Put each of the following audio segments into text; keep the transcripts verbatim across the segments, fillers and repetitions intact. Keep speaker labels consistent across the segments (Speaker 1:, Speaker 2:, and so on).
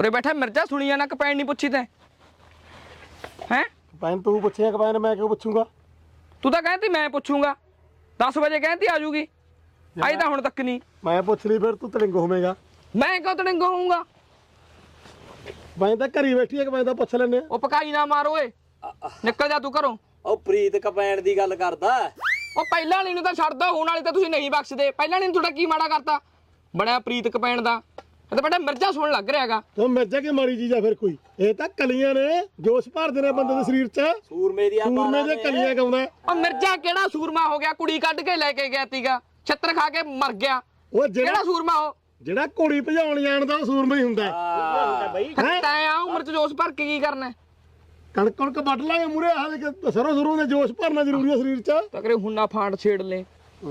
Speaker 1: ਉਰੇ ਬੈਠਾ ਮਿਰਜ਼ਾ ਸੁਣੀ ਜਾਣਾ ਕਪੈਣ ਨਹੀਂ ਪੁੱਛੀ ਤੈਂ ਹੈ
Speaker 2: ਕਪੈਨ ਤੂੰ ਪੁੱਛਿਆ ਕਪੈਨ ਮੈਂ ਕਿਉਂ ਪੁੱਛੂੰਗਾ
Speaker 1: ਤੂੰ ਤਾਂ ਕਹਿੰਦੀ ਮੈਂ ਪੁੱਛੂੰਗਾ ਦਸ ਵਜੇ ਕਹਿੰਦੀ ਆ ਜੂਗੀ ਆਈ ਤਾਂ ਹੁਣ ਤੱਕ ਨਹੀਂ
Speaker 2: ਮੈਂ ਪੁੱਛ ਲਈ ਫਿਰ ਤੂੰ ਤਲਿੰਗ ਹੋਵੇਂਗਾ
Speaker 1: ਮੈਂ ਕਿਉਂ ਤੜਿੰਗ ਹੋਊਂਗਾ
Speaker 2: ਮੈਂ ਤਾਂ ਘਰੀ ਬੈਠੀ ਹੈ ਕਪੈਨ ਤਾਂ ਪੁੱਛ ਲੈਨੇ ਆ
Speaker 1: ਉਹ ਪਕਾਈ ਨਾ ਮਾਰ ਓਏ ਨਿਕਲ ਜਾ ਤੂੰ ਘਰੋਂ
Speaker 3: ਉਹ ਪ੍ਰੀਤ ਕਪੈਣ ਦੀ ਗੱਲ ਕਰਦਾ
Speaker 1: ਉਹ ਪਹਿਲਾਂ ਵਾਲੀ ਨੂੰ ਤਾਂ ਛੱਡ ਦੋ ਹੁਣ ਵਾਲੀ ਤਾਂ ਤੁਸੀਂ ਨਹੀਂ ਬਖਸ਼ਦੇ ਪਹਿਲਾਂ ਵਾਲੀ ਨੂੰ ਤੁਹਾਡਾ ਕੀ ਮਾੜਾ ਕਰਤਾ ਬਣਿਆ ਪ੍ਰੀਤ ਕਪੈਣ ਦਾ ਇਹ ਤਾਂ ਬੇਟਾ ਮਿਰਜ਼ਾ ਸੁਣ ਲੱਗ ਰਿਹਾਗਾ
Speaker 2: ਤੂੰ ਮਿਰਜ਼ਾ ਕੀ ਮਾੜੀ ਚੀਜ਼ ਆ ਫਿਰ ਕੋਈ ਇਹ ਤਾਂ ਕਲੀਆਂ ਨੇ ਜੋਸ਼ ਭਰਦੇ ਨੇ ਬੰਦੇ ਦੇ ਸਰੀਰ 'ਚ
Speaker 3: ਸੂਰਮੇ ਦੀਆਂ
Speaker 2: ਸੂਰਮੇ ਦੇ ਕਲੀਆਂ ਗਾਉਂਦਾ
Speaker 1: ਉਹ ਮਿਰਜ਼ਾ ਕਿਹੜਾ ਸੂਰਮਾ ਹੋ ਗਿਆ ਕੁੜੀ ਕੱਢ ਕੇ ਲੈ ਕੇ ਗਿਆ ਤੀਗਾ ਛੱਤਰ ਖਾ ਕੇ ਮਰ ਗਿਆ
Speaker 2: ਉਹ
Speaker 1: ਕਿਹੜਾ
Speaker 2: ਜਿਹੜਾ
Speaker 1: ਸੂਰਮਾ ਉਹ
Speaker 2: ਜਿਹੜਾ ਘੋੜੀ ਭਜਾਉਣ ਜਾਣਦਾ ਉਹ ਸੂਰਮਾ ਹੀ ਹੁੰਦਾ ਹੈ
Speaker 1: ਤੈਂ ਆ ਉਮਰ ਚ ਜੋਸ਼ ਭਰ ਕੇ ਕੀ ਕਰਨਾ
Speaker 2: ਕਣਕ ਕਣਕ ਵੱਢ ਲਾਂਗੇ ਮੂਰੇ ਆਹ ਦੇ ਸਰੋਂ ਸਰੋਂ ਦੇ ਜੋਸ਼ ਭਰਨਾ ਜ਼ਰੂਰੀ ਹੈ ਸਰੀਰ 'ਚ
Speaker 1: ਤਕਰੇ ਹੁਣਾ ਫਾਂਡ ਛੇੜ ਲੈ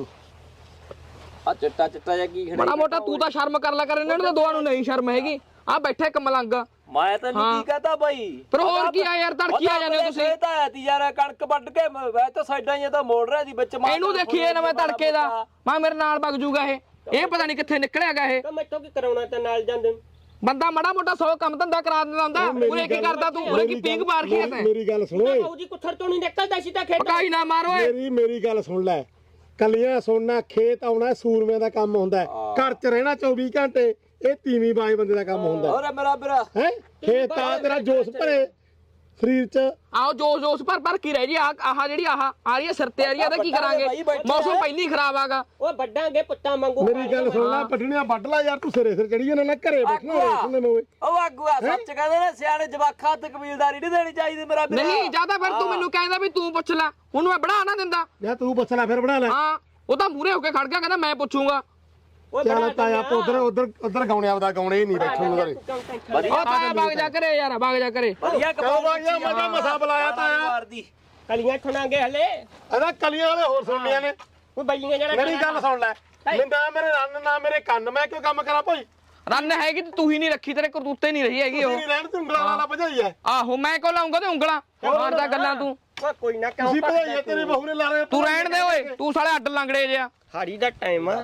Speaker 3: ਆ ਚਿੱਟਾ ਚਿੱਟਾ ਜਿਹਾ ਕੀ
Speaker 1: ਬੜਾ ਮੋਟਾ ਤੂੰ ਤਾਂ ਸ਼ਰਮ ਕਰ ਲੈ ਕਰ ਇਹਨਾਂ ਨੂੰ ਤਾਂ ਦੋਆਂ ਨੂੰ ਨਹੀਂ ਸ਼ਰਮ ਹੈਗੀ ਆ ਬੈਠੇ ਇੱਕ ਮਲੰਗ
Speaker 3: ਮੈਂ ਤੈਨੂੰ ਕੀ ਕਹਤਾ ਬਾਈ
Speaker 1: ਪਰ ਹੋਰ ਕੀ ਆ ਯਾਰ ਤੜਕੀ ਆ ਜਾਂਦੇ ਹੋ ਤੁਸੀਂ
Speaker 3: ਇਹ ਤਾਂ ਆਇਆ ਤੀ ਯਾਰ ਕਣਕ ਵੱਢ ਕੇ ਵੈ ਤਾਂ ਸਾਈਡਾਂ ਹੀ ਤਾਂ ਮੋੜ ਰਿਹਾ ਸੀ ਵਿੱਚ
Speaker 1: ਇਹਨੂੰ ਦੇਖੀਏ ਨਾ ਮੈਂ ਤੜਕੇ ਦਾ ਮੈਂ ਮੇਰੇ ਨਾਲ ਵਗ ਜੂਗਾ ਇਹ ਇਹ ਪਤਾ ਨਹੀਂ ਕਿੱਥੇ ਨਿਕਲਿਆਗਾ ਇਹ
Speaker 4: ਮੈਥੋਂ ਕੀ ਕਰਾਉਣਾ ਤੇ ਨਾਲ ਜਾਂਦੇ
Speaker 1: ਬੰਦਾ ਮੜਾ ਮੋਟਾ ਸੌ ਕੰਮ ਧੰਦਾ ਕਰਾ ਦਿੰਦਾ ਹੁੰਦਾ ਉਰੇ ਕੀ ਕਰਦਾ ਤੂੰ ਉਰੇ ਕੀ ਪੀਂਗ ਮਾਰ ਕੇ ਤੈਂ
Speaker 2: ਮੇਰੀ ਗੱਲ ਸੁਣੋ ਓਏ
Speaker 4: ਬਾਊ ਜੀ ਕੁੱਥਰ ਤੋਂ ਨਹੀਂ ਨਿਕਲਦਾ ਸੀ ਤਾਂ ਖੇਤ
Speaker 1: ਪਕਾਈ ਨਾ ਮਾਰੋ ਏ
Speaker 2: ਮੇਰੀ ਮੇਰੀ ਗੱਲ ਸੁਣ ਲੈ ਕਲੀਆਂ ਸੁਣਨਾ ਖੇਤ ਆਉਣਾ ਸੂਰਮਿਆਂ ਦਾ ਕੰਮ ਹੁੰਦਾ ਘਰ 'ਚ ਰਹਿਣਾ ਚੌਵੀ ਘੰਟੇ ਇਹ ਤੀਵੀਂ ਬਾਈ ਬੰਦੇ ਦਾ ਕੰਮ ਹੁੰਦਾ
Speaker 3: ਹੋਰ ਮੇਰਾ ਵੀਰਾ
Speaker 2: ਹੈ ਖੇਤ ਆ ਤੇਰਾ ਜੋਸ਼ ਭਰੇ ਸਰੀਰ 'ਚ
Speaker 1: ਆਓ ਜੋਸ਼ ਜੋਸ਼ ਭਰ ਭਰ ਕੀ ਰਹਿ ਜੀ ਆਹ ਆਹ ਜਿਹੜੀ ਆਹ ਆ ਰਹੀ ਹੈ ਸਿਰ ਤੇ ਆ ਰਹੀ ਹੈ ਇਹਦਾ ਕੀ ਕਰਾਂਗੇ ਮੌਸਮ ਪਹਿਲੀ ਖਰਾਬ ਆਗਾ
Speaker 4: ਉਹ ਵੱਡਾਂਗੇ ਪੁੱਤਾਂ ਵਾਂਗੂ
Speaker 2: ਮੇਰੀ ਗੱਲ ਸੁਣ ਲੈ ਪਟਣੀਆਂ ਵੱਢ ਲੈ ਯਾਰ ਤੂੰ ਸਿਰੇ ਸਿਰ ਚੜੀ ਜਾਂਦਾ ਨਾ ਘਰੇ ਬੈਠਣਾ ਵੇਖਣੇ ਮੈਂ ਓਏ
Speaker 3: ਉਹ ਆਗੂਆ ਸੱਚ ਕਹਿੰਦੇ ਨੇ ਸਿਆਣੇ ਜਵਾਖਾਂ ਤੇ ਕਬੀਲਦਾਰੀ ਨਹੀਂ ਦੇਣੀ ਚਾਹੀਦੀ ਮੇਰਾ ਵੀਰਾ
Speaker 1: ਨਹੀਂ ਜਿਆਦਾ ਫਿਰ ਤੂੰ ਮੈਨੂੰ ਕਹਿੰਦਾ ਵੀ ਤੂੰ ਪੁੱਛ ਲੈ ਉਹਨੂੰ ਮੈਂ ਬਣਾ ਨਾ ਦਿੰਦਾ
Speaker 2: ਜਾਂ ਤੂੰ ਪੁੱਛ ਲੈ ਫਿਰ ਬਣਾ ਲੈ
Speaker 1: ਹਾਂ ਉਹ ਤਾਂ ਮੂਰੇ ਹੋ ਕੇ ਖੜ ਗਿਆ ਕਹਿੰਦਾ ਮੈਂ ਪੁੱਛੂੰਗਾ
Speaker 4: ਉਹ
Speaker 2: ਚੱਲ ਤਾਇਆ ਆਪਾਂ ਉਧਰ ਉਧਰ ਉਧਰ ਗਾਉਣੇ ਆਪਦਾ ਗਾਉਣੇ ਹੀ ਨਹੀਂ ਬੈਠਣ ਨੂੰ ਘਰੇ
Speaker 1: ਉਹ ਤਾਇਆ ਵਗ ਜਾ ਕਰੇ ਯਾਰ ਵਗ ਜਾ ਕਰੇ
Speaker 3: ਵਧੀਆ
Speaker 2: ਕਿਉਂ ਬਾਈਆ ਮਜ਼ਾ ਮਸਾ ਬੁਲਾਇਆ ਤਾਇਆ
Speaker 3: ਮਾਰਦੀ
Speaker 4: ਕਲੀਆਂ ਠਣਾਂਗੇ ਹਲੇ
Speaker 2: ਇਹਦਾ ਕਲੀਆਂ ਵਾਲੇ ਹੋਰ ਸੁਣਨੀਆਂ ਨੇ
Speaker 4: ਉਹ ਬਈਆਂ ਜਿਹੜਾ
Speaker 2: ਮੇਰੀ ਗੱਲ ਸੁਣ ਲੈ ਨਾ ਮੇਰੇ ਰੰਨ ਨਾ ਮੇਰੇ ਕੰਨ ਮੈਂ ਕਿਉਂ ਕੰਮ ਕਰਾਂ ਭਾਈ
Speaker 1: ਰੰਨ ਹੈਗੀ ਤੇ ਤੂੰ ਹੀ ਨਹੀਂ ਰੱਖੀ ਤੇਰੇ ਕਰਤੂਤੇ ਨਹੀਂ ਰਹੀ ਹੈਗੀ ਉਹ
Speaker 2: ਤੁਸੀਂ ਰਹਿਣ ਤੇ ਉਂਗਲਾਂ ਵਾਲਾ ਭਜਾਈ ਐ
Speaker 1: ਆਹੋ ਮੈਂ ਕੋ ਲਾਉਂਗਾ ਤੇ ਉਂਗਲਾਂ ਮਾਰਦਾ ਗੱਲਾਂ ਤੂੰ
Speaker 4: ਉਹ ਕੋਈ ਨਾ ਕਿਉਂ
Speaker 2: ਤੁਸੀਂ ਭਜਾਈ ਤੇਰੇ ਬਹੂ ਨੇ ਲਾ ਰਹੇ
Speaker 1: ਤੂੰ ਰਹਿਣ ਦੇ ਓਏ ਤੂੰ ਸਾਲੇ ਅੱਡ ਲੰਗੜੇ ਜਿਆ
Speaker 4: ਹਾੜੀ ਦਾ ਟਾਈਮ ਆ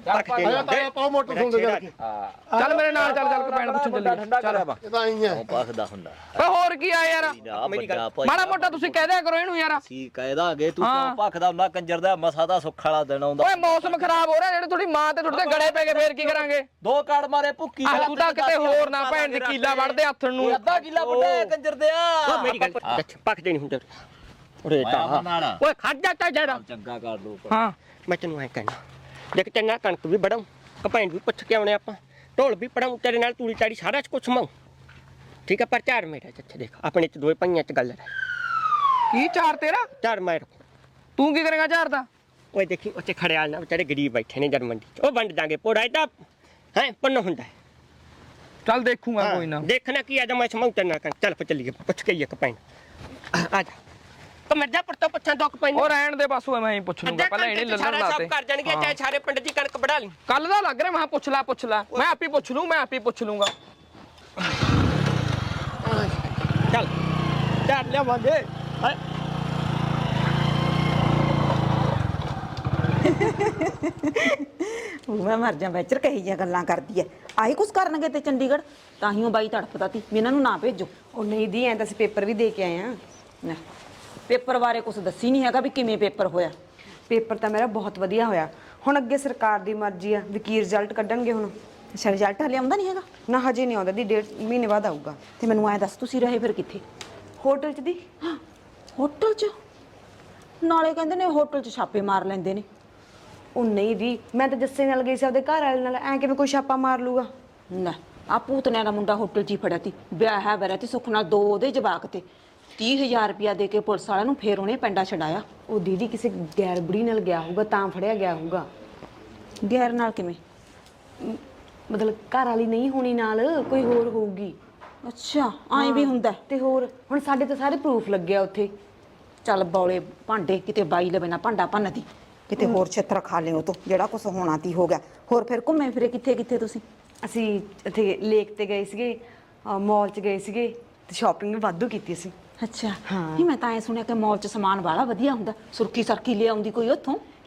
Speaker 2: ਆਇਆ ਤਾਇਆ ਪਾਉ ਮੋਟਰ ਸੁਣਦੇ ਜਾ ਕੇ
Speaker 1: ਚੱਲ ਮੇਰੇ ਨਾਲ ਚੱਲ ਚੱਲ ਕੇ ਪੈਣ ਪੁੱਛਣ ਚੱਲੀ ਚੱਲ
Speaker 2: ਇਹ ਤਾਂ ਆਈ ਐ
Speaker 3: ਪਖਦਾ ਹੁੰਦਾ
Speaker 1: ਓਏ ਹੋਰ ਕੀ ਆ ਯਾਰ
Speaker 3: ਵੱਡਾ ਭਾਈ
Speaker 1: ਮਾੜਾ ਮੋਟਾ ਤੁਸੀਂ ਕਹਿ ਦਿਆ ਕਰੋ ਇਹਨੂੰ ਯਾਰ
Speaker 3: ਸੀ ਕਹਿਦਾਂਗੇ ਤੂੰ ਕਿਉਂ ਭਖਦਾ ਹੁੰਦਾ ਕੰਜਰ ਦਾ ਮਸਾ ਦਾ ਸੁੱਖ ਵਾਲਾ ਦਿਨ ਆਉਂਦਾ
Speaker 1: ਓਏ ਮੌਸਮ ਖਰਾਬ ਹੋ ਰਿਹਾ ਜਿਹੜੇ ਤੁਹਾਡੀ ਮਾਂ ਤੇ ਤੁਹਾਡੇ ਤੇ ਗੜੇ ਪੈ ਗਏ ਫੇਰ ਕੀ ਕਰਾਂਗੇ
Speaker 3: ਦੋ ਕਾੜ ਮਾਰੇ ਭੁੱਕੀ
Speaker 1: ਆਹ ਤੂੰ ਤਾਂ ਕਿਤੇ ਹੋਰ ਨਾ ਭੈਣ ਦੀ ਕੀਲਾ ਵੜਦੇ ਹੱਥਣ ਨੂੰ
Speaker 3: ਅੱਧਾ ਕਿੱਲਾ ਵੱਡਾ ਕੰਜਰ ਦੇ ਆ
Speaker 4: ਉਹ ਮੇਰੀ ਗੱਲ ਪੱਕਦੇ ਨਹੀਂ ਹੁੰਦੇ ਉਰੇ ਤਾਂ ਓਏ ਖੜ ਜਾ ਤਾ ਜਰਾ
Speaker 3: ਚੰਗਾ ਕਰ ਦੋ
Speaker 1: ਹਾਂ
Speaker 4: ਮੈਂ ਤੈਨੂੰ ਐ ਕਹਿਣਾ ਦੇਖ ਚੰਗਾ ਕਣਕ ਵੀ ਵੜਾਂ ਕਪੈਣ ਵੀ ਪੁੱਛ ਕੇ ਆਉਣੇ ਆਪਾਂ ਢੋਲ ਵੀ ਪੜਾਂ ਤੇਰੇ ਨਾਲ ਤੂੜੀ ਤਾੜੀ ਸਾਰਾ ਕੁਛ ਮਾਉ ਠੀਕ ਹੈ ਪਰ ਚਾਰ ਮੇਰਾ ਚੱਛੇ ਦੇਖ ਆਪਣੇ ਚ ਦੋਏ ਪਈਆਂ ਚ ਗੱਲ ਰਹਿ
Speaker 1: ਕੀ ਚਾਰ ਤੇਰਾ
Speaker 4: ਚਾਰ ਮੈਂ ਰੱਖੂ
Speaker 1: ਤੂੰ ਕੀ ਕਰੇਗਾ ਚਾਰ ਦਾ
Speaker 4: ਓਏ ਦੇਖੀ ਉੱਥੇ ਖੜਿਆਲ ਨਾ ਵਿਚਾਰੇ ਗਰੀਬ ਬੈਠੇ ਨੇ ਜਰਮਨ ਚ ਉਹ ਵੰਡ ਦਾਂਗੇ ਪੋੜਾ ਇਹਦਾ ਹੈ ਪੰਨ ਹੁੰਦਾ
Speaker 1: ਚੱਲ ਦੇਖੂਗਾ ਕੋਈ ਨਾ
Speaker 4: ਦੇਖਣਾ ਕੀ ਆਦਾ ਮੈਂ ਸਮਝਦਾ ਨਾ ਕਰ ਚੱਲ ਚੱਲੀਏ ਪੁੱਛ ਕੇ ਇੱਕ ਪੈਣ ਆ ਜਾ ਤਾਂ ਮਿਰਜ਼ਾ ਪਰਤੋਂ ਪੁੱਛਾਂ ਦੁੱਖ ਪੈਣ
Speaker 1: ਉਹ ਰਹਿਣ ਦੇ ਬਸ ਉਹ ਮੈਂ ਹੀ ਪੁੱਛ ਲੂੰਗਾ ਪਹਿਲਾਂ ਇਹਨੇ ਲੱਲਣ ਲਾਤੇ
Speaker 4: ਕਰ ਜਾਣਗੇ ਚਾਹੇ ਸਾਰੇ ਪਿੰਡ ਦੀ ਕਣਕ ਵੜਾ ਲਈ
Speaker 1: ਕੱਲ ਦਾ ਲੱਗ ਰਿਹਾ ਮੈਂ ਪੁੱਛ ਲੈ ਪੁੱਛ ਲੈ ਮੈਂ ਆਪੇ ਪੁੱਛ ਲੂੰ ਮੈਂ ਆਪੇ ਪੁੱਛ ਲੂੰਗਾ
Speaker 4: ਚੱਲ ਚੱਲ ਲਿਆਵਾਂਗੇ
Speaker 5: ਉਹ ਮੈਂ ਮਰ ਜਾ ਵੈਚਰ ਕਹੀ ਜਿਹੀਆਂ ਗੱਲਾਂ ਕਰਦੀ ਐ ਆਹੀ ਕੁਛ ਕਰਨਗੇ ਤੇ ਚੰਡੀਗੜ੍ਹ ਤਾਂ ਹੀ ਉਹ ਬਾਈ ਤੜਫਦਾ ਤੀ ਵੀ ਇਹਨਾਂ ਨੂੰ ਨਾ ਭੇਜੋ
Speaker 6: ਉਹ ਨਹੀਂ ਦੀ ਐਂ ਤਾਂ ਅਸੀਂ ਪੇਪਰ ਵੀ ਦੇ ਕੇ ਆਏ ਆ
Speaker 5: ਲੈ, ਪੇਪਰ ਬਾਰੇ ਕੁਛ ਦੱਸੀ ਨਹੀਂ ਹੈਗਾ ਵੀ ਕਿਵੇਂ ਪੇਪਰ ਹੋਇਆ
Speaker 6: ਪੇਪਰ ਤਾਂ ਮੇਰਾ ਬਹੁਤ ਵਧੀਆ ਹੋਇਆ ਹੁਣ ਅੱਗੇ ਸਰਕਾਰ ਦੀ ਮਰਜ਼ੀ ਆ ਵੀ ਕੀ ਰਿਜ਼ਲਟ ਕੱਢਣਗੇ ਹੁਣ
Speaker 5: ਅੱਛਾ ਰਿਜ਼ਲਟ ਹਲੇ ਆਉਂਦਾ ਨਹੀਂ ਹੈਗਾ
Speaker 6: ਨਾ ਹਜੇ ਨਹੀਂ ਆਉਂਦਾ ਦੀ ਡੇਢ ਮਹੀਨੇ ਬਾਅਦ ਆਊਗਾ
Speaker 5: ਤੇ ਮੈਨੂੰ ਐਂ ਦੱਸ ਤੁਸੀਂ ਰਹੇ ਫਿਰ ਕਿੱਥੇ
Speaker 6: ਹੋਟਲ 'ਚ ਦੀ
Speaker 5: ਹੋਟਲ 'ਚ ਨਾਲੇ ਕਹਿੰਦੇ ਨੇ ਹੋਟਲ 'ਚ ਛਾਪੇ ਮਾਰ ਲੈਂਦੇ ਨੇ
Speaker 6: ਉਹ ਨਹੀਂ ਦੀ ਮੈਂ ਤਾਂ ਜੱਸੇ ਨਾਲ ਗਈ ਸੀ ਆਪਦੇ ਘਰ ਵਾਲੇ ਨਾਲ ਐਂ ਕਿਵੇਂ ਕੋਈ ਛਾਪਾ ਮਾਰ ਲੂਗਾ
Speaker 5: ਲੈ ਆ ਭੂਤਨਿਆਂ ਦਾ ਮੁੰਡਾ ਹੋਟਲ 'ਚ ਹੀ ਫੜਿਆ ਤੀ ਵਿਆਹ ਹੈ ਵਰਿਆ ਤੇ ਸੁੱਖ ਨਾਲ ਦੋ ਉਹਦੇ ਜਵਾਕ ਤੇ ਤੀਹ ਹਜ਼ਾਰ ਰੁਪਇਆ ਦੇ ਕੇ ਪੁਲਿਸ ਵਾਲਿਆਂ ਨੂੰ ਫੇਰ ਉਹਨੇ ਪਿੰਡਾ ਛਡਾਇਆ
Speaker 6: ਉਹ ਦੀਦੀ ਕਿਸੇ ਗੈਰ ਬੁੜੀ ਨਾਲ ਗਿਆ ਹੋਊਗਾ ਤਾਂ ਫੜਿਆ ਗਿਆ ਹੋਊਗਾ
Speaker 5: ਗੈਰ ਨਾਲ ਕਿਵੇਂ
Speaker 6: ਮਤਲਬ ਘਰ ਵਾਲੀ ਨਹੀਂ ਹੋਣੀ ਨਾਲ ਕੋਈ ਹੋਰ ਹੋਊਗੀ
Speaker 5: ਅੱਛਾ ਐਂ ਵੀ ਹੁੰਦਾ
Speaker 6: ਤੇ ਹੋਰ ਹੁਣ ਸਾਡੇ ਤਾਂ ਸਾਰੇ ਪ੍ਰੂਫ ਲੱਗਿਆ ਉੱਥੇ
Speaker 5: ਚੱਲ ਬੌਲੇ ਭਾਂਡੇ ਕਿਤੇ ਬਾਈ ਲਵੇ ਨਾ ਭਾਂਡਾ ਭੰਨਦੀ ਕਿਤੇ ਹੋਰ ਛੇਤਰ ਖਾ ਲਿਓ ਤੂੰ ਜਿਹੜਾ ਕੁਛ ਹੋਣਾ ਤੀ ਹੋ ਗਿਆ ਹੋਰ ਫਿਰ ਘੁੰਮੇ ਫਿਰੇ ਕਿੱਥੇ ਕਿੱਥੇ ਤੁਸੀਂ
Speaker 6: ਅਸੀਂ ਇੱਥੇ ਲੇਕ ਤੇ ਗਏ ਸੀਗੇ ਮਾਲ 'ਚ ਗਏ ਸੀਗੇ ਤੇ ਸ਼ਾਪਿੰਗ ਵੀ ਵਾਧੂ ਕੀਤੀ ਸੀ
Speaker 5: ਅੱਛਾ ਨਹੀਂ ਮੈਂ ਤਾਂ ਐ ਸੁਣਿਆ ਕਿ ਮਾਲ 'ਚ ਸਮਾਨ ਵਾਲਾ ਵਧੀਆ ਹੁੰਦਾ ਸੁਰਖੀ ਸਰਖੀ ਲੈ ਆਉਂਦੀ ਕੋਈ ਉੱਥੋਂ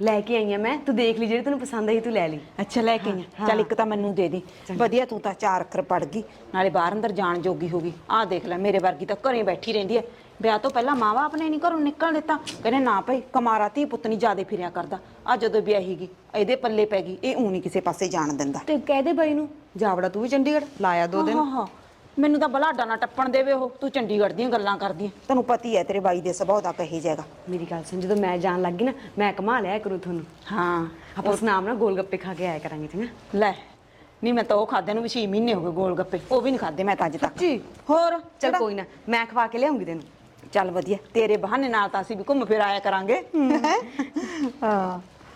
Speaker 6: ਲੈ ਕੇ ਆਈ ਆ ਮੈਂ, ਤੂੰ ਦੇਖ ਲਈ ਜਿਹੜੀ ਤੈਨੂੰ ਪਸੰਦ ਆਈ ਤੂੰ ਲੈ ਲਈ।
Speaker 5: ਅੱਛਾ ਲੈ ਕੇ ਆਈ ਆਂ। ਚੱਲ ਇੱਕ ਤਾਂ ਮੈਨੂੰ ਦੇ ਦੀ। ਵਧੀਆ ਤੂੰ ਤਾਂ ਚਾਰ ਅੱਖਰ ਪੜ ਗਈ, ਨਾਲੇ ਬਾਹਰ ਅੰਦਰ ਜਾਣ ਜੋਗੀ ਹੋ ਗਈ। ਆਹ ਦੇਖ ਲੈ ਮੇਰੇ ਵਰਗੀ ਤਾਂ ਘਰੇ ਬੈਠੀ ਰਹਿੰਦੀ ਐ। ਵਿਆਹ ਤੋਂ ਪਹਿਲਾਂ ਮਾਂ ਬਾਪ ਨੇ ਨਹੀਂ ਘਰੋਂ ਨਿਕਲ ਦਿੱਤਾ, ਕਹਿੰਦੇ ਨਾ ਭਾਈ ਕਮਾਰਾ ਧੀ ਪੁੱਤ ਨਹੀਂ ਜਿਆਦੇ ਫਿਰਿਆ ਕਰਦਾ। ਆ ਜਦੋਂ ਵਿਆਹੀ ਗਈ ਇਹਦੇ ਪੱਲੇ ਪੈ ਗਈ, ਇਹ ਊਂ ਨਹੀਂ ਕਿਸੇ ਪਾਸੇ ਜਾਣ ਦਿੰਦਾ।
Speaker 6: ਤੇ ਕਹਿ ਦੇ ਬਾਈ ਨੂੰ ਜਾਵੜਾ ਤੂੰ ਵੀ ਚੰਡੀਗੜ੍ਹ ਲਾਇਆ ਦੋ ਦਿਨ।
Speaker 5: ਹਾਂ ਹਾਂ ਮੈਨੂੰ ਤਾਂ ਬਲਾਡਾ ਨਾ ਟੱਪਣ ਦੇਵੇ ਉਹ। ਤੂੰ ਚੰਡੀਗੜ੍ਹ ਦੀਆਂ ਗੱਲਾਂ ਕਰਦੀ ਐ, ਤੈਨੂੰ ਪਤੀ ਐ ਤੇਰੇ ਬਾਈ ਦੇ ਸੁਭਾਅ ਦਾ ਕਹੀ ਜਾਏਗਾ।
Speaker 6: ਮੇਰੀ ਗੱਲ ਸੁਣ, ਜਦੋਂ ਮੈਂ ਜਾਣ ਲੱਗੀ ਨਾ ਮੈਂ ਕਮਾ ਲਿਆ ਕਰੂ ਤੁਹਾਨੂੰ।
Speaker 5: ਹਾਂ
Speaker 6: ਆਪਾਂ ਉਸ ਨਾਮ ਨਾਲ ਗੋਲ ਗੱਪੇ ਖਾ ਕੇ ਆਇਆ ਕਰਾਂਗੇ ਚੰਗਾ।
Speaker 5: ਲੈ ਨਹੀਂ ਮੈਂ ਤਾਂ ਉਹ ਖਾਦੇ ਨੂੰ ਵੀ ਛੇ ਮਹੀਨੇ ਹੋ ਗਏ ਗੋਲ ਗੱਪੇ, ਉਹ ਵੀ ਨਹੀਂ ਖਾਦੇ ਮੈਂ ਤਾਂ ਅੱਜ ਤੱਕ।
Speaker 6: ਜੀ
Speaker 5: ਹੋਰ
Speaker 6: ਚਲ ਕੋਈ ਨਾ, ਮੈਂ ਖਵਾ ਕੇ ਲਿਆਉਂਗੀ ਤੈਨੂੰ।
Speaker 5: ਚੱਲ ਵਧੀਆ, ਤੇਰੇ ਬਹਾਨੇ ਨਾਲ ਤਾਂ ਅਸੀਂ ਵੀ ਘੁੰਮ ਫਿਰ ਆਇਆ ਕਰਾਂਗੇ। ਹਾਂ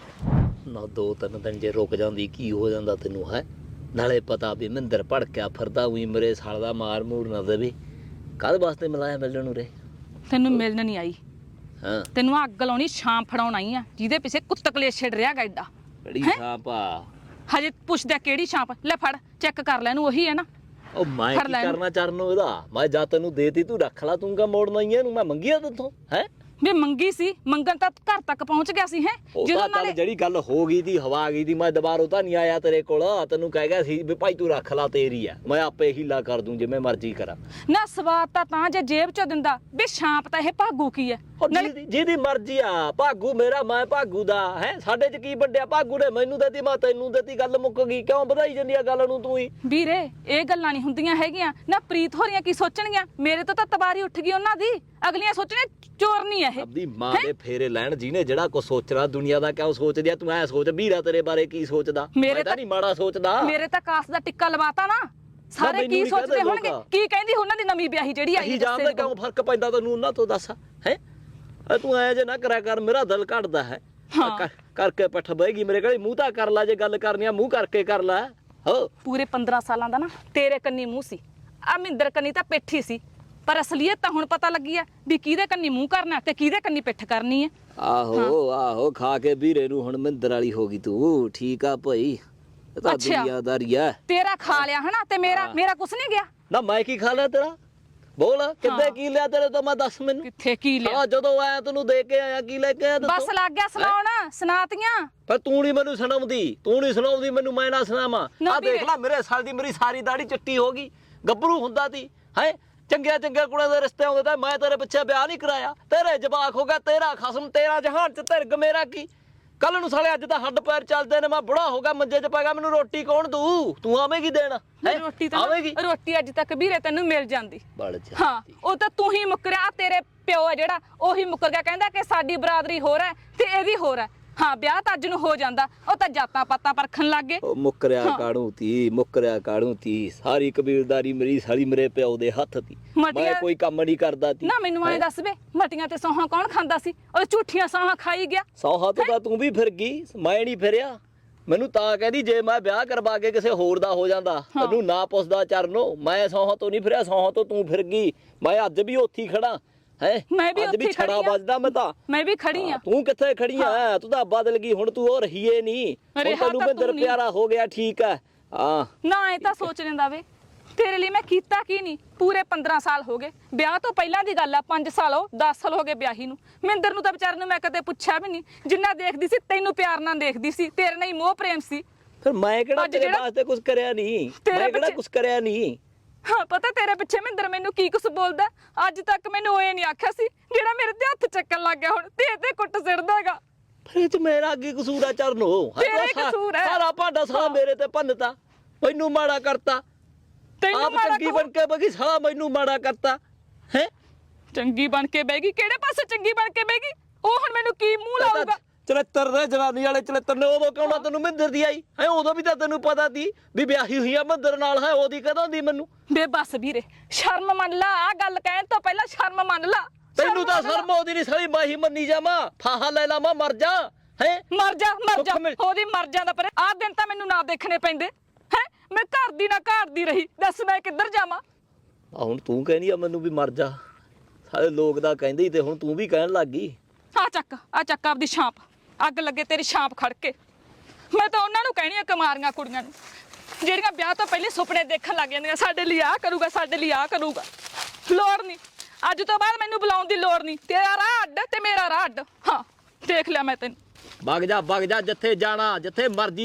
Speaker 3: ਨਾ ਦੋ ਤਿੰਨ ਦਿਨ ਜੇ ਰੁਕ ਜਾਂਦੀ ਕੀ ਹੋ ਜਾਂਦਾ ਤੈਨੂੰ ਹੈ। ਨਾਲੇ ਪਤਾ ਵੀ ਮਹਿੰਦਰ ਭੜਕਿਆ ਫਿਰਦਾ ਉਹੀ ਮੇਰੇ ਸਾਲ ਦਾ ਮਾਰ ਮੂਰ ਨਾ ਦੇਵੇ। ਕਾਹਦੇ ਵਾਸਤੇ ਮਿਲਾਇਆ ਮਿਲਣ ਨੂੰ ਰੇ?
Speaker 7: ਤੈਨੂੰ ਮਿਲਣ ਨਹੀਂ ਆਈ,
Speaker 3: ਹਾਂ
Speaker 7: ਤੈਨੂੰ ਅੱਗ ਲਾਉਣੀ ਛਾਂ ਫੜਾਉਣ ਆਈ ਆ, ਜਿਹਦੇ ਪਿੱਛੇ ਕੁੱਤ ਕਲੇਸ਼ ਛਿੜ ਰਿਹਾ ਗਾਇਦਾ।
Speaker 3: ਬੜੀ ਛਾਪਾ।
Speaker 7: ਹਜੇ ਪੁੱਛਦਾ ਕਿਹੜੀ ਛਾਂਪ? ਲੈ ਫੜ ਚੈੱਕ ਕਰ ਲੈ, ਇਹਨੂੰ ਉਹੀ ਹੈ ਨਾ।
Speaker 3: ਉਹ ਮੈਂ
Speaker 7: ਫੜ
Speaker 3: ਕੀ
Speaker 7: ਲੈ ਇਹਨੂੰ।
Speaker 3: ਕਰਨਾ ਚਰਨੋਂ ਇਹਦਾ? ਮੈਂ ਜਾ ਤੈਨੂੰ ਦੇਤੀ ਤੂੰ ਰੱਖ ਲਾ, ਤੂੰ ਕਾ ਮੋੜਨਾ ਹੀ ਇਹਨੂੰ? ਮੈਂ ਮੰਗਿਆ ਤੇਥੋਂ ਹੈ?
Speaker 7: ਵੀ ਮੰਗੀ ਸੀ, ਮੰਗਣ ਤਾਂ ਘਰ ਤੱਕ ਪਹੁੰਚ ਗਿਆ ਸੀ। ਹੈ
Speaker 3: ਉਹ ਤਾਂ ਚੱਲ ਜਿਹੜੀ ਗੱਲ ਹੋ ਗਈ ਦੀ ਹਵਾ ਗਈ ਦੀ, ਮੈਂ ਦੁਬਾਰਾ ਤਾਂ ਨਹੀਂ ਆਇਆ ਤੇਰੇ ਕੋਲ। ਤੈਨੂੰ ਕਹਿ ਗਿਆ ਸੀ ਵੀ ਭਾਈ ਤੂੰ ਰੱਖ ਲਾ, ਤੇਰੀ ਆ, ਮੈਂ ਆਪੇ ਹੀਲਾ ਕਰ ਦੂੰ ਜਿਵੇਂ ਮਰਜ਼ੀ ਕਰਾਂ।
Speaker 7: ਨਾ ਸਵਾਦ ਤਾਂ ਤਾਂ ਜੇ ਜੇਬ ਚ ਦਿੰਦਾ ਵੀ ਛਾਂਪ ਤਾਂ ਇਹ ਭਾਗੂ ਕੀ ਹੈ।
Speaker 3: ਉਹ ਜਿਹਦੀ ਜਿਹਦੀ ਮਰਜ਼ੀ ਆ, ਭਾਗੂ ਮੇਰਾ ਮੈਂ ਭਾਗੂ ਦਾ ਹੈ। ਸਾਡੇ ਚ ਕੀ ਵੱਡਿਆ? ਭਾਗੂ ਨੇ ਮੈਨੂੰ ਦਿੱਤੀ, ਮੈਂ ਤੈਨੂੰ ਦਿੱਤੀ, ਗੱਲ ਮੁੱਕ ਗਈ। ਕਿਉਂ ਵਧਾਈ ਜਾਂਦੀ ਆ ਗੱਲ ਨੂੰ ਤੂੰ ਹੀ?
Speaker 7: ਵੀਰੇ ਇਹ ਗੱਲਾਂ ਨਹੀਂ ਹੁੰਦੀਆਂ ਹੈਗੀਆਂ ਨਾ। ਪ੍ਰੀਤ ਹੋਰੀਆਂ ਕੀ ਸੋਚਣਗੀਆਂ? ਮੇਰੇ ਤੋਂ ਤਾਂ ਤਬਾਰੀ ਉੱਠ ਗਈ ਉਹਨਾਂ ਦੀ। ਅਗਲੀਆਂ ਸੋਚਣੀਆਂ ਚੋਰ ਨਹੀਂ ਇਹ।
Speaker 3: ਆਪਦੀ ਮਾਂ ਦੇ ਫੇਰੇ ਲੈਣ ਜਿਹਨੇ ਜਿਹੜਾ ਕੁਝ ਸੋਚਣਾ ਦੁਨੀਆ ਦਾ ਕਿਉਂ ਸੋਚਦੀ ਆ? ਤੂੰ ਐ ਸੋਚ ਵੀਰਾ ਤੇਰੇ ਬਾਰੇ ਕੀ ਸੋਚਦਾ?
Speaker 7: ਮੇਰੇ
Speaker 3: ਮੈਂ ਤਾਂ ਨਹੀਂ ਮਾੜਾ ਸੋਚਦਾ।
Speaker 7: ਮੇਰੇ ਤਾਂ ਕਾਸ ਦਾ ਟਿੱਕਾ ਲਵਾਤਾ ਨਾ, ਸਾਰੇ
Speaker 3: ਮੈਨੂੰ
Speaker 7: ਕੀ
Speaker 3: ਨੀ
Speaker 7: ਸੋਚਦੇ
Speaker 3: ਕਹਿੰਦੇ
Speaker 7: ਹੋਣਗੇ?
Speaker 3: ਲੋਕ।
Speaker 7: ਕੀ ਕਹਿੰਦੀ ਉਹਨਾਂ ਦੀ ਨਵੀਂ ਵਿਆਹੀ ਜਿਹੜੀ ਆਈ
Speaker 3: ਅਸੀਂ ਜਾਣਦੇ ਕਿਉਂ ਫਰਕ ਪੈਂਦਾ ਤੈਨੂੰ ਉਹਨਾਂ ਤੋਂ? ਦੱਸ ਹੈ ਤੂੰ ਐ ਜੇ ਨਾ ਕਰਿਆ ਕਰ, ਮੇਰਾ ਦਿਲ ਘਟਦਾ ਹੈ। ਕਰ- ਕਰਕੇ ਪੱਠ ਬਹਿਗੀ ਮੇਰੇ ਕੋਲ। ਮੂੰਹ ਤਾਂ ਕਰ ਲੈ, ਜੇ ਗੱਲ ਕਰਨੀ ਆ ਮੂੰਹ ਕਰਕੇ ਕਰ ਲੈ। ਹੋ
Speaker 7: ਪੂਰੇ ਪੰਦਰਾਂ ਸਾਲਾਂ ਦਾ ਨਾ ਤੇਰੇ ਕੰਨੀ ਮੂੰਹ ਸੀ, ਆ ਮਹਿੰਦਰ ਕੰਨੀ ਤਾਂ ਪਿੱਠ ਹੀ ਸੀ। ਪਰ ਅਸਲੀਅਤ ਤਾਂ ਹੁਣ ਪਤਾ ਲੱਗੀ ਆ ਵੀ ਕਿਹਦੇ ਕੰਨੀ ਮੂੰਹ ਕਰਨਾ ਤੇ ਕਿਹਦੇ ਕੰਨੀ ਪਿੱਠ ਕਰਨੀ ਹੈ।
Speaker 3: ਆਹੋ ਆਹੋ ਖਾ ਕੇ ਵੀਰੇ ਨੂੰ ਹੁਣ ਮਹਿੰਦਰ ਵਾਲੀ ਹੋ ਗਈ ਤੂੰ। ਠੀਕ ਆ ਭਾਈ, ਇਹ ਤਾਂ
Speaker 7: ਅੱਛਾ।
Speaker 3: ਦੁਨੀਆਦਾਰੀ ਆ।
Speaker 7: ਤੇਰਾ ਖਾ ਲਿਆ ਹਨਾ, ਤੇ ਮੇਰਾ ਮੇਰਾ ਕੁਛ ਨਹੀਂ ਗਿਆ।
Speaker 3: ਨਾ ਮੈਂ ਕੀ ਖਾ ਲਿਆ ਤੇਰਾ? ਬੋਲ ਕਿੱਦੇ ਕੀ ਲਿਆ ਤੇਰੇ ਤੋਂ? ਮੈਂ ਦੱਸ ਮੈਨੂੰ।
Speaker 7: ਕਿੱਥੇ ਕੀ ਲਿਆ?
Speaker 3: ਹਾਂ ਜਦੋਂ ਆਇਆ ਤੈਨੂੰ ਦੇ ਕੇ ਆਇਆ, ਕੀ ਲੈ ਕੇ ਆਇਆ
Speaker 7: ਬਸ
Speaker 3: ਦੱਸੋ?
Speaker 7: ਲੱਗ ਗਿਆ ਸੁਣਾਉਣ, ਸੁਣਾਤੀਆਂ।
Speaker 3: ਪਰ ਤੂੰ ਨਹੀਂ ਮੈਨੂੰ ਸੁਣਾਉਂਦੀ, ਤੂੰ ਨਹੀਂ ਸੁਣਾਉਂਦੀ ਮੈਨੂੰ, ਮੈਂ ਨਾ ਸੁਣਾਵਾਂ।
Speaker 7: ਨਾ
Speaker 3: ਆ ਦੇਖ
Speaker 7: ਵੀਰੇ।
Speaker 3: ਲੈ ਮੇਰੇ ਸਾਲ ਦੀ ਮੇਰੀ ਸਾਰੀ ਦਾੜੀ ਚਿੱਟੀ ਹੋ ਗਈ। ਗੱਭਰੂ ਹੁੰਦਾ ਤੀ ਹੈ, ਚੰਗਿਆ ਚੰਗਿਆ ਕੁੜੀਆਂ ਦੇ ਰਿਸ਼ਤੇ ਆਉਂਦੇ ਤਾਂ ਮੈਂ ਤੇਰੇ ਪਿੱਛੇ ਵਿਆਹ ਨਹੀਂ ਕਰਾਇਆ। ਤੇਰੇ ਜਵਾਕ ਹੋ ਗਿਆ, ਤੇਰਾ ਖਸਮ, ਤੇਰਾ ਜਹਾਨ ਚ ਧਿਰਗ, ਮੇਰਾ ਕੀ? ਕੱਲ ਨੂੰ ਸਾਲੇ ਅੱਜ ਤਾਂ ਹੱਡ ਪੈਰ ਚੱਲਦੇ ਨੇ, ਮੈਂ ਬੁੜਾ ਹੋ ਗਿਆ, ਮੰਜੇ 'ਚ ਪੈ ਗਿਆ, ਮੈਨੂੰ ਰੋਟੀ ਕੌਣ ਦੂ? ਤੂੰ ਆਵੇਂਗੀ ਦੇਣ? ਹੈਂ?
Speaker 7: ਰੋਟੀ ਤਾਂ
Speaker 3: ਆਵੇਂਗੀ?
Speaker 7: ਰੋਟੀ ਅੱਜ ਤੱਕ ਵੀਰੇ ਤੈਨੂੰ ਮਿਲ ਜਾਂਦੀ।
Speaker 3: ਬੜ ਜਾ
Speaker 7: ਹਾਂ ਉਹ ਤਾਂ ਤੂੰ ਹੀ ਮੁੱਕਰਿਆ। ਆਹ ਤੇਰੇ ਪਿਓ ਹੈ ਜਿਹੜਾ, ਉਹੀ ਮੁੱਕਰ ਗਿਆ, ਕਹਿੰਦਾ ਕਿ ਸਾਡੀ ਬਰਾਦਰੀ ਹੋਰ ਹੈ ਤੇ ਇਹਦੀ ਹੋਰ ਹੈ। ਹਾਂ ਵਿਆਹ ਤਾਂ ਅੱਜ ਨੂੰ ਹੋ ਜਾਂਦਾ, ਉਹ ਤਾਂ ਜਾਤਾਂ ਪਾਤਾਂ ਪਰਖਣ ਲੱਗ ਗਏ।
Speaker 3: ਉਹ ਮੁੱਕਰਿਆ ਕਾਣੂ ਤੀ, ਮੁੱਕਰਿਆ ਕਾਣੂ ਤੀ। ਸਾਰੀ ਕਬੀਲਦਾਰੀ ਮੇਰੀ ਸਾਲੀ ਮੇਰੇ ਪਿਓ ਦੇ ਹੱਥ ਤੀ। ਮੈਂ
Speaker 7: ਮਟੀਆਂ-
Speaker 3: ਕੋਈ ਕੰਮ ਨਹੀਂ ਕਰਦਾ ਤੀ।
Speaker 7: ਨਾ ਮੈਨੂੰ ਐਂ ਦੱਸ ਵੇ, ਮਟੀਆਂ ਤੇ ਸੌਹਾਂ ਕੌਣ ਖਾਂਦਾ ਸੀ? ਉਹ ਝੂਠੀਆਂ ਸੌਹਾਂ ਖਾਈ ਗਿਆ।
Speaker 3: ਸੌਹਾ ਤੋਂ ਤਾਂ ਤੂੰ ਵੀ ਫਿਰ ਗਈ, ਮੈਂ ਨਹੀਂ ਫਿਰਿਆ। ਮੈਨੂੰ ਤਾਂ ਕਹਿੰਦੀ ਜੇ ਮੈਂ ਵਿਆਹ ਕਰਵਾ ਕੇ ਕਿਸੇ ਹੋਰ ਦਾ ਹੋ ਜਾਂਦਾ ਤੈਨੂੰ ਨਾ ਪੁੱਛਦਾ ਚਰਨੋ। ਮੈਂ ਸੌਹਾ ਤੋਂ ਨਹੀਂ ਫਿਰਿਆ, ਸੌਹਾ ਤੋਂ ਤੂੰ ਫਿਰ ਗਈ। ਮੈਂ ਅੱਜ ਵੀ ਉੱਥੇ ਹੀ ਖੜਾ ਹੈ।
Speaker 7: ਮੈਂ ਵੀ
Speaker 3: ਅੱਜ
Speaker 7: ਉੱਥੇ
Speaker 3: ਵੀ
Speaker 7: ਹੀ
Speaker 3: ਛੜਾ
Speaker 7: ਖੜੀ ਆਂ।
Speaker 3: ਵੱਜਦਾ ਮੈਂ ਤਾਂ।
Speaker 7: ਮੈਂ ਵੀ ਖੜੀ ਆ।
Speaker 3: ਤੂੰ ਕਿੱਥੇ ਖੜੀ ਆ? ਤੂੰ ਤਾਂ ਬਦਲ ਗਈ ਹੁਣ, ਤੂੰ ਉਹ ਰਹੀਏ ਨਹੀਂ। ਹੁਣ
Speaker 7: ਰਿਹਾ
Speaker 3: ਤੈਨੂੰ
Speaker 7: ਤਾਂ
Speaker 3: ਮਹਿੰਦਰ
Speaker 7: ਤੂੰ ਨੀ।
Speaker 3: ਪਿਆਰਾ ਹੋ ਗਿਆ, ਠੀਕ ਹੈ। ਹਾਂ
Speaker 7: ਨਾ ਇਹ ਤਾਂ ਸੋਚ ਲੈਂਦਾ ਵੇ, ਤੇਰੇ ਲਈ ਮੈਂ ਕੀਤਾ ਕੀ ਨਹੀਂ? ਪੂਰੇ ਪੰਦਰਾਂ ਸਾਲ ਹੋ ਗਏ ਵਿਆਹ ਤੋਂ ਪਹਿਲਾਂ ਦੀ ਗੱਲ ਆ। ਪੰਜ ਸਾਲ ਹੋ ਦਸ ਸਾਲ ਹੋ ਗਏ ਵਿਆਹੀ ਨੂੰ। ਮਹਿੰਦਰ ਨੂੰ ਤਾਂ ਵਿਚਾਰ ਨੂੰ ਮੈਂ ਕਦੇ ਪੁੱਛਿਆ ਵੀ ਨਹੀਂ। ਜਿੰਨਾ ਦੇਖਦੀ ਸੀ ਤੈਨੂੰ ਪਿਆਰ ਨਾਲ ਦੇਖਦੀ ਸੀ, ਤੇਰੇ ਨਾਲ ਹੀ ਮੋਹ ਪ੍ਰੇਮ ਸੀ।
Speaker 3: ਫਿਰ ਮੈਂ ਕਿਹੜਾ
Speaker 7: ਅੱਜ
Speaker 3: ਤੇਰੇ
Speaker 7: ਜਿਹੜਾ-
Speaker 3: ਵਾਸਤੇ ਕੁਝ ਕਰਿਆ ਨਹੀਂ?
Speaker 7: ਤੇਰੇ
Speaker 3: ਮੈਂ ਕਿਹੜਾ
Speaker 7: ਪਿੱਛੇ-
Speaker 3: ਕੁਝ ਕਰਿਆ ਨਹੀਂ?
Speaker 7: ਹਾਂ ਪਤਾ ਤੇਰੇ ਪਿੱਛੇ ਮਹਿੰਦਰ ਮੈਨੂੰ ਕੀ ਕੁਛ ਬੋਲਦਾ। ਅੱਜ ਤੱਕ ਮੈਨੂੰ ਇਹ ਨਹੀਂ ਆਖਿਆ ਸੀ ਜਿਹੜਾ ਮੇਰੇ ਤੇ ਹੱਥ ਚੱਕਣ ਲੱਗ ਗਿਆ ਹੁਣ ਤੇ ਤੇ ਕੁੱਟ ਸਿੜਦਾਗਾ।
Speaker 3: ਫਿਰ ਇਹ ਚ ਮੇਰਾ ਕੀ ਕਸੂਰ ਆ ਚਰਨੋ?
Speaker 7: ਤੇਰਾ ਹੀ ਕਸੂਰ ਹੈ।
Speaker 3: ਸਾਰਾ ਭਾਂਡਾ ਸਾਲਾ ਮੇਰੇ ਤੇ ਭੰਨਤਾ, ਮੈਨੂੰ ਮਾੜਾ ਕਰਤਾ।
Speaker 7: ਤੈਨੂੰ
Speaker 3: ਆਪ
Speaker 7: ਮਾੜਾ
Speaker 3: ਚੰਗੀ
Speaker 7: ਕਹੂੰ?
Speaker 3: ਬਣ ਕੇ ਬਗੀ, ਸਾਲਾ ਮੈਨੂੰ ਮਾੜਾ ਕਰਤਾ ਹੈ।
Speaker 7: ਚੰਗੀ ਬਣ ਕੇ ਬਹਿ ਗਈ? ਕਿਹੜੇ ਪਾਸੇ ਚੰਗੀ ਬਣ ਕੇ ਬਹਿ ਗਈ? ਉਹ ਹੁਣ ਮੈਨੂੰ ਕੀ ਮੂੰਹ ਲਾਊਗਾ?
Speaker 3: ਚਲੇਤਰ ਦੇ ਜਵਾਨੀ ਵਾਲੇ ਚਲੇਤਰ ਨੇ ਉਦੋਂ ਕਿਉਂ ਨਾ ਤੈਨੂੰ ਮਹਿੰਦਰ ਦੀ ਆਈ ਹੈ? ਉਦੋਂ ਵੀ ਤਾਂ ਤੈਨੂੰ ਪਤਾ ਸੀ ਵੀ ਵਿਆਹੀ ਹੋਈ ਆ ਮਹਿੰਦਰ ਨਾਲ ਹੈ। ਉਹਦੀ ਕਦੋਂ ਦੀ ਮੈਨੂੰ?
Speaker 7: ਬੇ ਬਸ ਵੀਰੇ ਸ਼ਰਮ ਮੰਨ ਲਾ। ਆ ਗੱਲ ਕਹਿਣ ਤੋਂ ਪਹਿਲਾਂ ਸ਼ਰਮ ਮੰਨ ਲਾ।
Speaker 3: ਤੈਨੂੰ ਤਾਂ
Speaker 7: ਮੰਨ ਲਾ।
Speaker 3: ਸ਼ਰਮ ਆਉਂਦੀ ਨਹੀਂ ਸਾਲੀ। ਮੈਂ ਹੀ ਮੰਨੀ ਜਾਵਾਂ, ਫਾਹਾ ਲੈ ਲਾਵਾਂ, ਮਰ ਜਾ ਹੈ।
Speaker 7: ਮਰ ਜਾ ਮਰ ਜਾ,
Speaker 3: ਸੁੱਖ ਮਿਲ-
Speaker 7: ਉਹਦੀ ਮਰ ਜਾਂਦਾ। ਪਰ ਆਹ ਦਿਨ ਤਾਂ ਮੈਨੂੰ ਨਾ ਦੇਖਣੇ ਪੈਂਦੇ ਹੈ। ਮੈਂ ਘਰ ਦੀ ਨਾ ਘਰ ਦੀ ਰਹੀ, ਦੱਸ ਮੈਂ ਕਿੱਧਰ ਜਾਵਾਂ?
Speaker 3: ਆ ਹੁਣ ਤੂੰ ਕਹਿੰਦੀ ਆ ਮੈਨੂੰ ਵੀ ਮਰ ਜਾ। ਸਾਰੇ ਲੋਕ ਦਾ ਕਹਿੰਦੇ ਹੀ ਤੇ ਹੁਣ ਤੂੰ ਵੀ ਕਹਿਣ ਲੱਗ ਗਈ।
Speaker 7: ਆ ਚੱਕ ਆ ਚੱਕ ਆਪਦੀ ਛਾਂਪ, ਅੱਗ ਲੱਗੇ ਤੇਰੀ ਛਾਂਪ ਖੜ ਕੇ। ਮੈਂ ਤਾਂ ਉਹਨਾਂ ਨੂੰ ਕਹਿਣੀ ਆ ਕੁਮਾਰੀਆਂ ਕੁੜੀਆਂ ਨੂੰ ਜਿਹੜੀਆਂ ਵਿਆਹ ਤੋਂ ਪਹਿਲੇ ਸੁਪਨੇ ਦੇਖਣ ਲੱਗ ਜਾਂਦੀਆਂ, ਸਾਡੇ ਲਈ ਆਹ ਕਰੂਗਾ, ਸਾਡੇ ਲਈ ਆਹ ਕਰੂਗਾ। ਲੋੜ ਨਹੀਂ, ਅੱਜ ਤੋਂ ਬਾਅਦ ਮੈਨੂੰ ਬੁਲਾਉਣ ਦੀ ਲੋੜ ਨਹੀਂ। ਤੇਰਾ ਰਾਹ ਅੱਡ ਤੇ ਮੇਰਾ ਰਾਹ ਅੱਡ। ਹਾਂ ਦੇਖ ਲਿਆ ਮੈਂ ਤੈਨੂੰ।
Speaker 3: ਵਗ ਜਾ ਵਗ ਜਾ ਜਿੱਥੇ ਜਾਣਾ ਜਿੱਥੇ ਮਰਜੀ